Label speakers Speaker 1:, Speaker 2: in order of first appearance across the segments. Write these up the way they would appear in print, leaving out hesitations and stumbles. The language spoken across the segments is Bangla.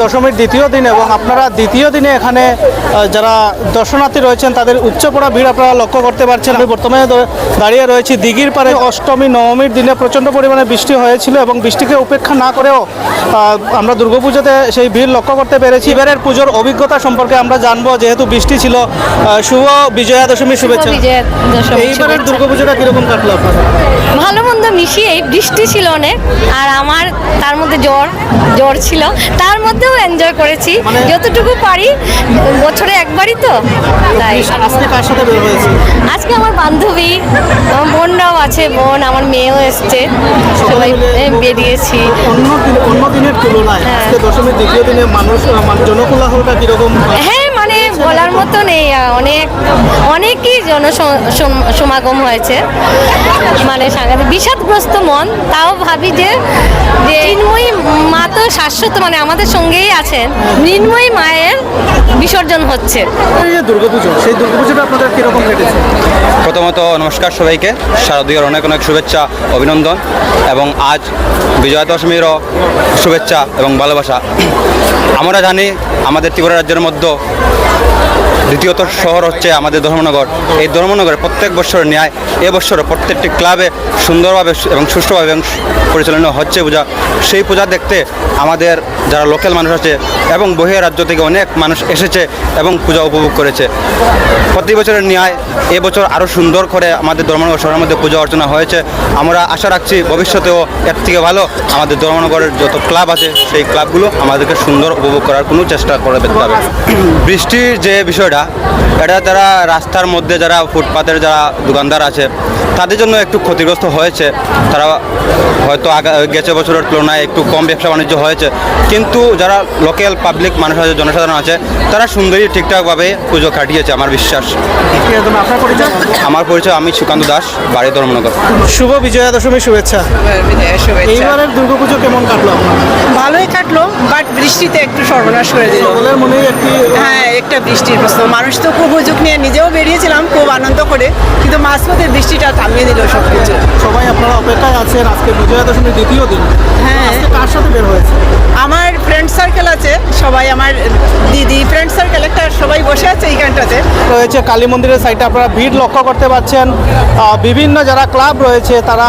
Speaker 1: দশমীর দ্বিতীয় দিন এবং আপনারা দ্বিতীয় দিনে এখানে যারা দর্শনার্থী রয়েছেন তাদের উপচে ভিড় আপনারা লক্ষ্য করতে পারছেন। আমি বর্তমানে দাঁড়িয়ে রয়েছি দিঘির পাড়ে। অষ্টমী নবমীর দিনে প্রচণ্ড পরিমাণে বৃষ্টি হয়েছিল এবং বৃষ্টিকে উপেক্ষা না করেও আমরা দুর্গাপুজোতে সেই ভিড় লক্ষ্য করতে পেরেছি। এবারের পুজোর অভিজ্ঞতা সম্পর্কে আমরা জানবো, যেহেতু বৃষ্টি ছিল। শুভ বিজয়া দশমীর শুভেচ্ছা। এইবারের দুর্গাপুজোটা কিরকম কাটলো আপনার?
Speaker 2: ভালো মন্দ মিশিয়ে, বৃষ্টি ছিল অনেক, আর আমার তার মধ্যে জ্বর ছিল, তার মধ্যেও এনজয় করেছি যতটুকু পারি। বছরে একবারই তো, তাই।
Speaker 1: আজকে কার সাথে বের হয়েছে?
Speaker 2: আজকে আমার বান্ধবী, আমার বোনরাও আছে, বোন আমার মেয়েও এসছে, সবাই বেরিয়েছি।
Speaker 1: অন্য দিনের তুলনায় আজকে দশমীর দ্বিতীয় দিনে মানুষ জনকোলাহলটা কিরকম?
Speaker 2: হ্যাঁ, মানে বলার মতো নেই, অনেকই সমাগম হয়েছে, মানে সাংঘাতিক বিষাদগ্রস্ত মন। তাও ভাবি যে মৃন্ময়ী মা তো শাশ্বত, মানে আমাদের সঙ্গেই আছেন। মৃন্ময়ী মায়ের বিসর্জন হচ্ছে।
Speaker 1: দুর্গাপুজো, সেই দুর্গাপুজোটা আপনাদের কিরকম কেটেছে?
Speaker 3: প্রথমত নমস্কার সবাইকে, শারদীয়ার অনেক অনেক শুভেচ্ছা, অভিনন্দন এবং আজ বিজয়া দশমীরও শুভেচ্ছা এবং ভালোবাসা। আমরা জানি আমাদের ত্রিপুরা রাজ্যের মধ্যে দ্বিতীয়ত শহর হচ্ছে আমাদের ধর্মনগর। এই ধর্মনগরে প্রত্যেক বছরের ন্যায় এবছরও প্রত্যেকটি ক্লাবে সুন্দরভাবে এবং সুষ্ঠুভাবে পরিচালনা হচ্ছে পূজা। সেই পূজা দেখতে আমাদের যারা লোকাল মানুষ আছে এবং বহির রাজ্য থেকে অনেক মানুষ এসেছে এবং পূজা উপভোগ করেছে। প্রতি বছরের ন্যায় এবছর আরও সুন্দর করে আমাদের ধর্মনগর শহরের মধ্যে পূজা অর্চনা হয়েছে। আমরা আশা রাখছি ভবিষ্যতেও এর থেকে ভালো আমাদের ধর্মনগরের যত ক্লাব আছে সেই ক্লাবগুলো আমাদেরকে সুন্দর উপভোগ করার কোনো চেষ্টা করে দেখতে হবে। বৃষ্টির যে বিষয়টা, এটা যারা রাস্তার মধ্যে যারা ফুটপাতের যারা দোকানদার আছে তাদের জন্য একটু ক্ষতিগ্রস্ত হয়েছে। তারা হয়তো গেছে বছরের তুলনায় একটু কম ব্যবসা বাণিজ্য হয়েছে, কিন্তু যারা লোকাল পাবলিক মানুষ আছে, জনসাধারণ আছে, তারা সুন্দরী ঠিকঠাকভাবে পুজো কাটিয়েছে আমার বিশ্বাস। আমার পরিচয়, আমি সুকান্ত দাস, বাড়ি ধর্মনগর।
Speaker 1: শুভ বিজয়া দশমীর শুভেচ্ছা। এইবারের দুর্গাপুজো কেমন কাটলো আপনার?
Speaker 4: ভালোই কাটলো, বাট বৃষ্টিতে একটু সর্বনাশ করে দিল।
Speaker 1: সকলের মনেই
Speaker 4: হ্যাঁ, একটা বৃষ্টির প্রশ্ন। মানুষ তো খুব হুজুক নিয়ে, নিজেও বেরিয়েছিলাম খুব আনন্দ করে, কিন্তু মাঝপথে বৃষ্টিটা থামিয়ে দিল সব কিছু।
Speaker 1: সবাই আপনারা অপেক্ষায় আছেন আজকে বিজয়া দশমীর দ্বিতীয় দিন।
Speaker 4: হ্যাঁ,
Speaker 1: আজকে কার সাথে বের হয়েছে?
Speaker 4: আমার ফ্রেন্ড সার্কেল আছে, সবাই আমার দিদি ফ্রেন্ড সার্কেল একটা, সবাই বসে আছে এইখানটাতে।
Speaker 1: রয়েছে কালী মন্দিরের সাইডে আপনারা ভিড় লক্ষ্য করতে পারছেন। বিভিন্ন যারা ক্লাব রয়েছে তারা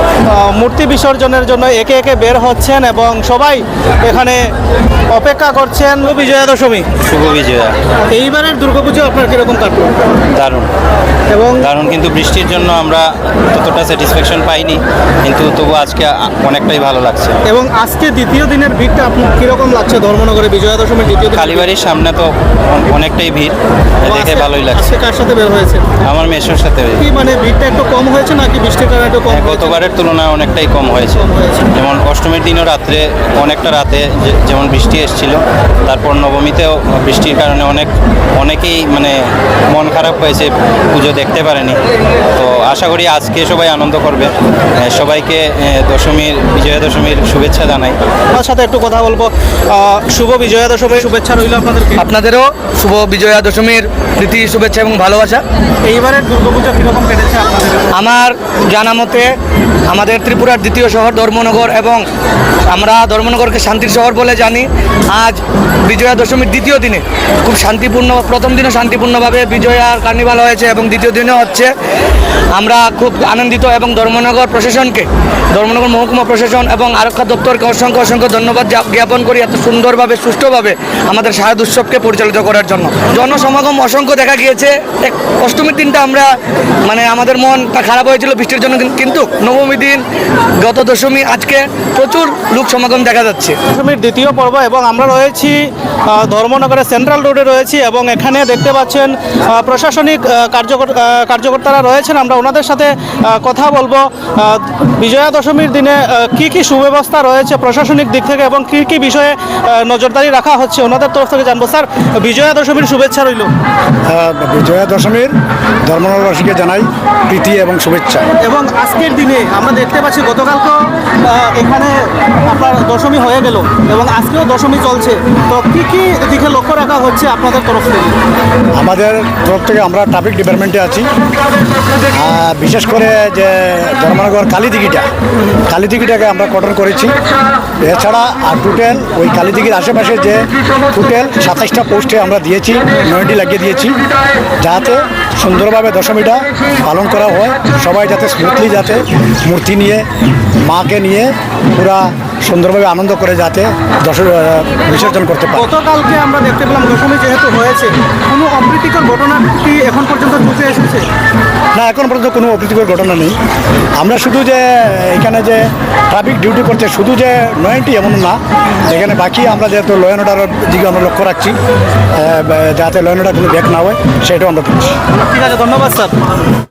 Speaker 1: মূর্তি বিসর্জনের জন্য একে একে বের হচ্ছেন এবং সবাই এখানে অপেক্ষা করছেন বিজয়া দশমী।
Speaker 3: শুভ বিজয়া।
Speaker 1: এইবারের দুর্গাপুজো আপনার কিরকম কাটলো?
Speaker 3: দারুণ
Speaker 1: এবং
Speaker 3: দারুণ, কিন্তু বৃষ্টির জন্য আমরা ততটা স্যাটিসফ্যাকশন পাইনি, কিন্তু তবু আজকে অনেকটাই ভালো লাগছে।
Speaker 1: এবং আজকে দ্বিতীয় দিনের ভিড়টা আপনার কিরকম লাগছে? ধর্মনগরে বিজয়া দশমীর দ্বিতীয় দিন
Speaker 3: কালীবাড়ির সামনে তো অনেকটাই ভিড়, দেখে ভালোই লাগছে।
Speaker 1: আজকে কার সাথে বের হয়েছে?
Speaker 3: আমার মেসোর সাথে।
Speaker 1: কি মানে ভিড়টা একটু কম হয়েছে নাকি বৃষ্টির কারণে একটু কম?
Speaker 3: গতবারের তুলনায় অনেকটাই কম হয়েছে। যেমন অষ্টমীর দিনও রাত্রে অনেকটা রাতে যেমন বৃষ্টি এসেছিল, তারপর নবমীতেও বৃষ্টির কারণে অনেকেই মানে মন খারাপ হয়েছে, পুজো দেখতে পারেনি। তো আশা করি আজকে সবাই আনন্দ করবে। সবাইকে বিজয়া দশমীর শুভেচ্ছা জানাই।
Speaker 1: আমার সাথে একটু কথা বলবো। শুভ বিজয়া দশমীর শুভেচ্ছা রইল আপনাদেরকে।
Speaker 5: আপনাদেরও শুভ বিজয়া দশমীর প্রীতি শুভেচ্ছা এবং ভালোবাসা।
Speaker 1: এইবারের দুর্গাপুজো কীরকম কেটেছে আপনাদের?
Speaker 5: আমার জানা মতে আমাদের ত্রিপুরার দ্বিতীয় শহর ধর্মনগর, এবং আমরা ধর্মনগরকে শান্তির শহর বলে জানি। আজ বিজয়া দশমীর দ্বিতীয় দিনে খুব শান্তিপূর্ণ, প্রথম দিনে শান্তিপূর্ণভাবে বিজয়ার কার্নিভাল হয়েছে এবং দ্বিতীয় দিনেও হচ্ছে। আমরা খুব আনন্দিত এবং ধর্মনগর প্রশাসনকে, ধর্মনগর মহকুমা প্রশাসন এবং আরক্ষা দপ্তরকে অসংখ্য অসংখ্য ধন্যবাদ জ্ঞাপন করি এত সুন্দরভাবে সুষ্ঠুভাবে আমাদের শারদ উৎসবকে পরিচালিত করার জন্য। জনসমাগম অসংখ্য দেখা গিয়েছে। অষ্টমীর দিনটা আমরা মানে আমাদের মনটা খারাপ হয়েছিল বৃষ্টির জন্য, কিন্তু নবমী দিন, গত দশমী, আজকে প্রচুর লোক সমাগম দেখা যাচ্ছে।
Speaker 1: দশমীর দ্বিতীয় পর্ব এবং আমরা রয়েছি ধর্মনগরের সেন্ট্রাল রোডে রয়েছি এবং এখানে দেখতে পাচ্ছেন প্রশাসনিক কার্যকর্তারা রয়েছেন। আমরা ওনাদের সাথে কথা বলবো। বিজয়া দশমীর দিনে কি কি সুব্যবস্থা রয়েছে প্রশাসনিক দিক থেকে এবং কি কি বিষয়ে নজরদারি রাখা হচ্ছে ওনাদের তরফ থেকে জানবো। স্যার, বিজয়া দশমীর শুভেচ্ছা রইল।
Speaker 6: বিজয়া দশমীর ধর্মনগরবাসীকে জানাই প্রীতি এবং শুভেচ্ছা।
Speaker 1: এবং আজকের দিনে আমরা দেখতে পাচ্ছি গতকালকে এখানে আপনার দশমী হয়ে গেল এবং আজকেও দশমী চলছে, তো কি কি দিকে লক্ষ্য রাখা হচ্ছে আপনাদের তরফ থেকে?
Speaker 6: আমাদের তরফ থেকে আমরা ট্রাফিক ডিপার্টমেন্টে আছি, বিশেষ করে যে ধর্মনগর কালীদিঘিটাকে আমরা কঠোর করেছি। এছাড়া আর টোটাল ওই কালীদিঘির আশেপাশে যে টোটাল 27টা পোস্টে আমরা দিয়েছি, নয়টি লাগিয়ে দিয়েছি, যাতে সুন্দরভাবে দশমীটা পালন করা হয়। সবাই যাতে স্মুথলি যাতে মূর্তি নিয়ে মাকে নিয়ে পুরা সুন্দরভাবে আনন্দ করে যাতে বিসর্জন করতে পারে।
Speaker 1: গতকালকে আমরা দেখতে পেলাম দশমী যেহেতু হয়েছে, কোনো অপ্রীতিকর ঘটনা কি এখন পর্যন্ত চোখে এসেছে?
Speaker 6: না, এখন পর্যন্ত কোনো অপ্রীতিকর ঘটনা নেই। আমরা শুধু যে এখানে যে ট্রাফিক ডিউটি করছে শুধু যে নয়টি এমন না, এখানে বাকি আমরা যেহেতু ল অ্যান্ড অর্ডারের দিকে আমরা লক্ষ্য রাখছি, যাতে ল অ্যান্ড অর্ডার কোনো ব্যাক না হয় সেটাও আমরা করছি।
Speaker 1: ঠিক আছে, ধন্যবাদ স্যার।